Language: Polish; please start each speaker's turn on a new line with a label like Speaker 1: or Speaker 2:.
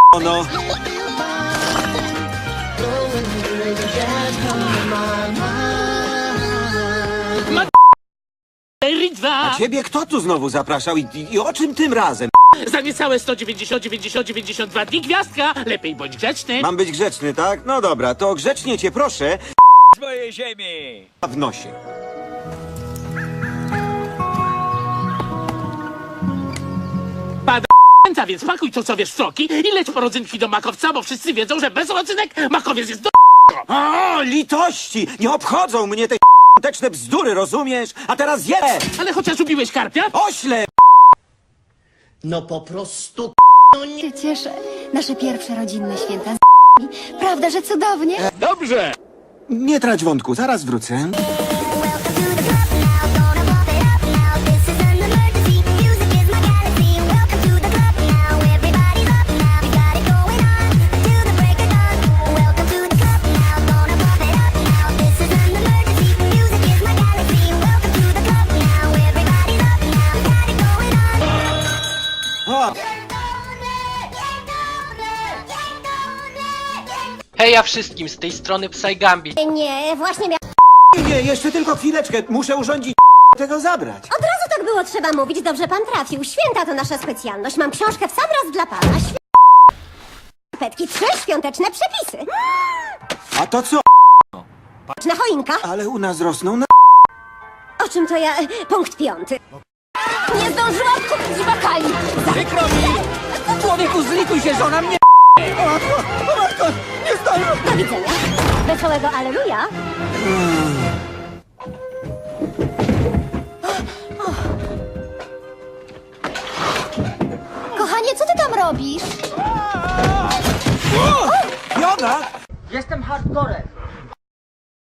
Speaker 1: no. A ciebie kto tu znowu zapraszał i o czym tym razem?
Speaker 2: Za niecałe 190, 92 dni gwiazdka. Lepiej bądź grzeczny.
Speaker 1: Mam być grzeczny, tak? No dobra, to grzecznie cię proszę.
Speaker 3: Z mojej ziemi!
Speaker 1: W nosie.
Speaker 2: Pada więc pakuj to co wiesz w soki i leć po rodzynki do makowca, bo wszyscy wiedzą, że bez rodzynek makowiec jest do...
Speaker 1: O, litości! Nie obchodzą mnie te teczne bzdury, rozumiesz? A teraz je!
Speaker 2: Ale chociaż ubiłeś karpia?
Speaker 1: Ośle!
Speaker 4: No po prostu
Speaker 5: się cieszę. Nasze pierwsze rodzinne święta z Prawda, że cudownie?
Speaker 2: Dobrze.
Speaker 1: Nie trać wątku, zaraz wrócę. O,
Speaker 6: Heja wszystkim, z tej strony Psy Gambit.
Speaker 5: Nie, właśnie
Speaker 1: nie, jeszcze tylko chwileczkę. Muszę urządzić tego zabrać.
Speaker 5: Od razu tak było trzeba mówić, dobrze pan trafił. Święta to nasza specjalność. Mam książkę w sam raz dla pana. Petki, 3 świąteczne przepisy.
Speaker 1: A to co?
Speaker 5: Na choinka.
Speaker 1: Ale u nas rosną na...
Speaker 5: O czym to ja? Punkt 5. Nie zdążyłam kupić bakali.
Speaker 3: Przykro mi! Człowieku, zlituj się, żona mnie...
Speaker 5: Do widzenia. Wesołego Alleluja. Kochanie, co ty tam robisz?
Speaker 1: Joga!
Speaker 7: Jestem hardcorem.